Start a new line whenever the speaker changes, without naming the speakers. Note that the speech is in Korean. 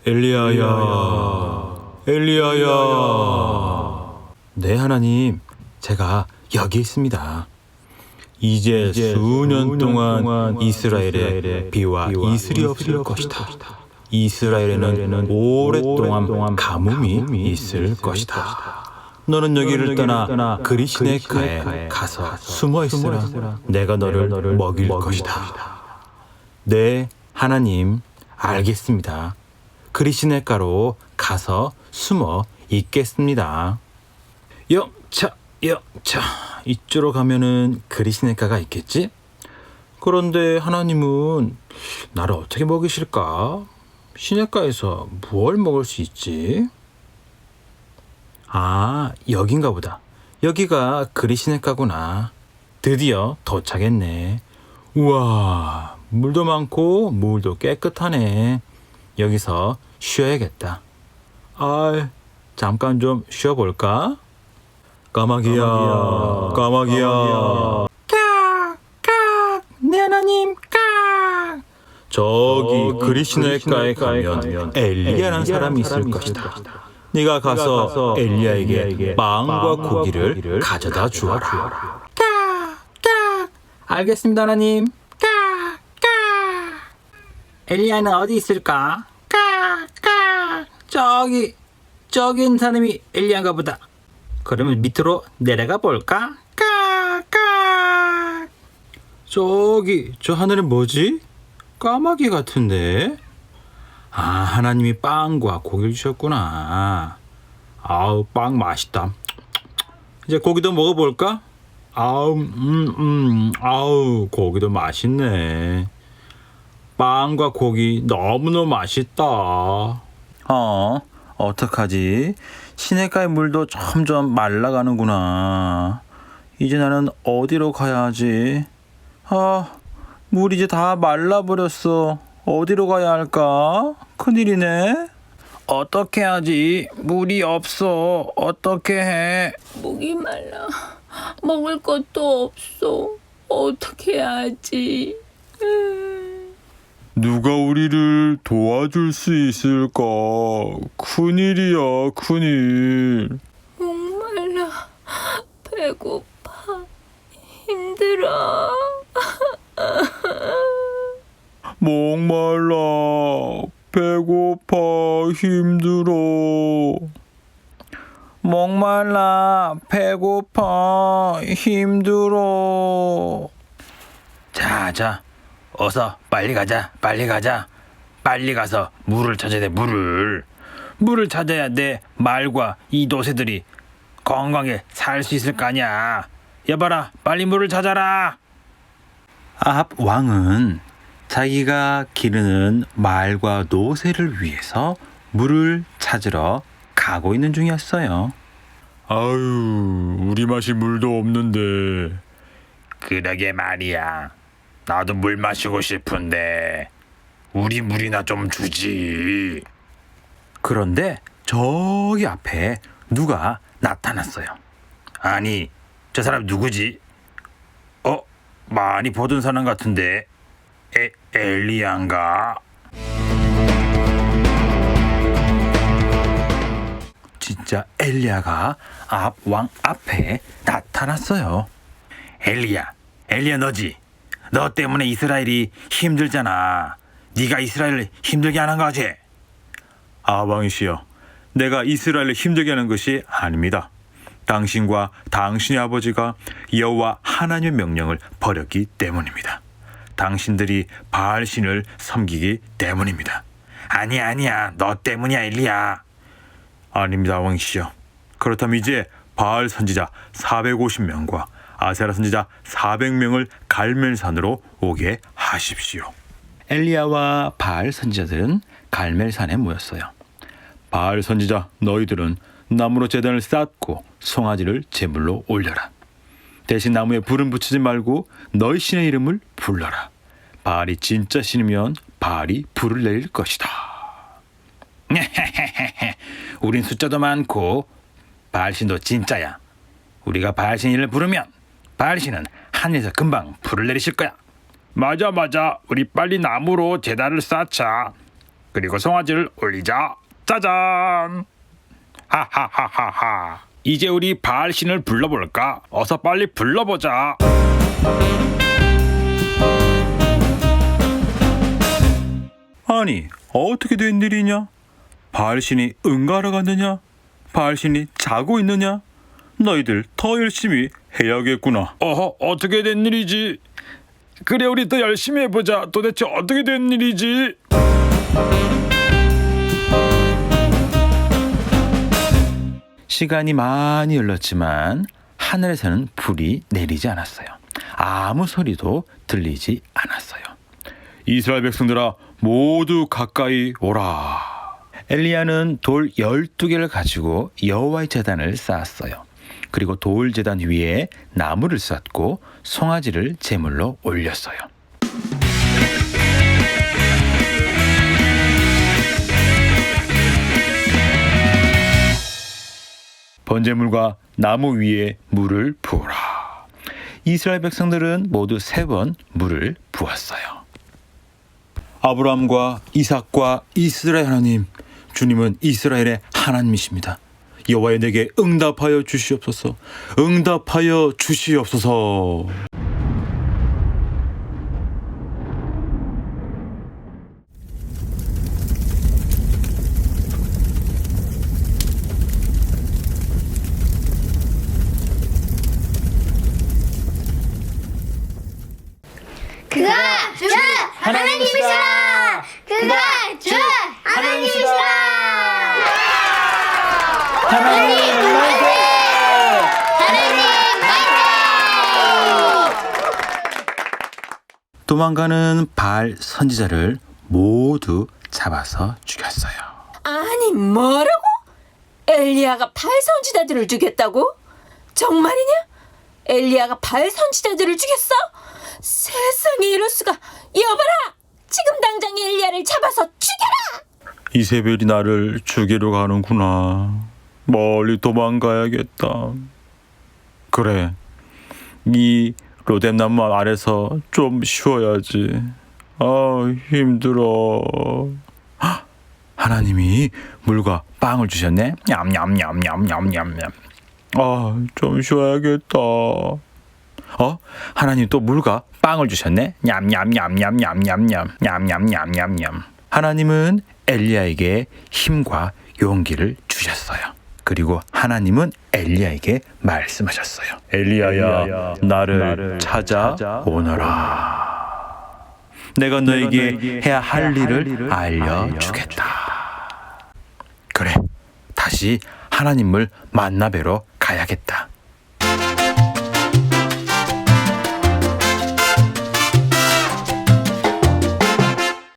엘리야야, 엘리야야. 네, 하나님, 제가 여기 있습니다. 이제 수년 동안 이스라엘에 비와 이슬이 없을 것이다. 이스라엘에는 오랫동안 가뭄이 있을 것이다. 너는 여기를 떠나 그리시네가에 가서 숨어 있으라. 내가 너를 먹일 것이다. 네, 하나님, 알겠습니다. 그리시네가로 가서 숨어 있겠습니다. 영차, 이쪽으로 가면은 그리시네가가 있겠지? 그런데 하나님은 나를 어떻게 먹이실까? 시내가에서 뭘 먹을 수 있지? 아, 여긴가 보다. 여기가 그리시네가구나. 드디어 도착했네. 우와, 물도 많고 물도 깨끗하네. 여기서 쉬어야겠다. 잠깐 좀 쉬어볼까? 까마귀야. 네, 하나님. 저기 그리시네가에 가면 엘리야라는 사람이 있을 것이다. 네가 가서 엘리야에게 빵과 고기를 가져다 주어라. 알겠습니다, 하나님. 엘리야는 어디 있을까? 저기 있는 사람이 엘리야인가 보다. 그러면 밑으로 내려가 볼까? 저 하늘은 뭐지? 까마귀 같은데? 아, 하나님이 빵과 고기를 주셨구나. 아우, 빵 맛있다. 이제 고기도 먹어볼까? 아우, 고기도 맛있네. 빵과 고기 너무너무 맛있다. 어떡하지? 시내가의 물도 점점 말라가는구나. 이제 나는 어디로 가야 하지? 물이 이제 다 말라버렸어. 어디로 가야 할까? 큰일이네. 어떻게 하지? 물이 없어. 어떻게 해?
목이 말라. 먹을 것도 없어. 어떻게 하지?
누가 우리를 도와줄 수 있을까? 큰일이야, 큰일.
목말라. 배고파. 힘들어.
목말라, 배고파, 힘들어. 목말라, 배고파, 힘들어. 자, 어서 빨리 가자. 빨리 가서 물을 찾아야 돼, 물을 찾아야 내 말과 이 노새들이 건강하게 살 수 있을 거 아니야. 여봐라, 빨리 물을 찾아라. 아합 왕은 자기가 기르는 말과 노새를 위해서 물을 찾으러 가고 있는 중이었어요. 아유, 우리 마실 물도 없는데. 그러게 말이야. 나도 물 마시고 싶은데 우리 물이나 좀 주지. 그런데 저기 앞에 누가 나타났어요. 아니, 저 사람 누구지? 많이 보던 사람 같은데. 엘리야인가? 진짜 엘리야가 아합 왕 앞에 나타났어요. 엘리야 너지? 너 때문에 이스라엘이 힘들잖아. 네가 이스라엘을 힘들게 하는 거지? 왕이시여, 내가 이스라엘을 힘들게 하는 것이 아닙니다. 당신과 당신의 아버지가 여호와 하나님의 명령을 버렸기 때문입니다. 당신들이 바알신을 섬기기 때문입니다. 아니야, 너 때문이야, 엘리야. 아닙니다, 왕이시여. 그렇다면 이제 바알 선지자 450명과 아세라 선지자 400명을 갈멜산으로 오게 하십시오. 엘리야와 바알 선지자들은 갈멜산에 모였어요. 바알 선지자, 너희들은 나무로 제단을 쌓고 송아지를 제물로 올려라. 대신 나무에 불은 붙이지 말고 너희 신의 이름을 불러라. 바알이 진짜 신이면 바알이 불을 내릴 것이다. 우린 숫자도 많고 바알신도 진짜야. 우리가 바알신 이름을 부르면 바알신은 하늘에서 금방 불을 내리실 거야. 맞아. 우리 빨리 나무로 제단을 쌓자.
그리고 송아지를 올리자. 짜잔. 하하하하하. 이제 우리 바알신을 불러볼까? 어서 빨리 불러보자.
아니, 어떻게 된 일이냐? 바알신이 응가하러 갔느냐? 바알신이 자고 있느냐? 너희들 더 열심히 해야겠구나.
어허, 어떻게 된 일이지? 그래, 우리 더 열심히 해보자. 도대체 어떻게 된 일이지?
시간이 많이 흘렀지만 하늘에서는 불이 내리지 않았어요. 아무 소리도 들리지 않았어요. 이스라엘 백성들아, 모두 가까이 오라. 엘리야는 돌 12개를 가지고 여호와의 제단을 쌓았어요. 그리고 돌 제단 위에 나무를 쌓고 송아지를 제물로 올렸어요. 번제물과 나무 위에 물을 부어라. 이스라엘 백성들은 모두 3번 물을 부었어요. 아브라함과 이삭과 이스라엘 하나님, 주님은 이스라엘의 하나님이십니다. 여호와여, 내게 응답하여 주시옵소서. 응답하여 주시옵소서.
그가 주 하나님이시라. 그가 주 하나님이시라. 하나님 화이팅! 하나님 화이팅!
도망가는 바알 선지자를 모두 잡아서 죽였어요.
아니 뭐라고? 엘리야가 바알 선지자들을 죽였다고? 정말이냐? 엘리야가 바알 선지자들을 죽였어? 세상에 이럴 수가. 여봐라, 지금 당장 엘리야를 잡아서 죽여라.
이세벨이 나를 죽이러 가는구나. 멀리 도망가야겠다. 그래, 이 로뎀나무 아래서 좀 쉬어야지. 힘들어. 헉, 하나님이 물과 빵을 주셨네. 냠냠냠냠냠냠냠. 좀 쉬어야겠다. 하나님 또 물과 빵을 주셨네. 냠냠냠냠냠냠냠. 냠냠냠냠냠. 하나님은 엘리야에게 힘과 용기를 주셨어요. 그리고 하나님은 엘리야에게 말씀하셨어요. 엘리야야, 나를 찾아오너라. 내가 너에게 해야 할 일을 알려주겠다. 그래, 다시 하나님을 만나 뵈러 가야겠다.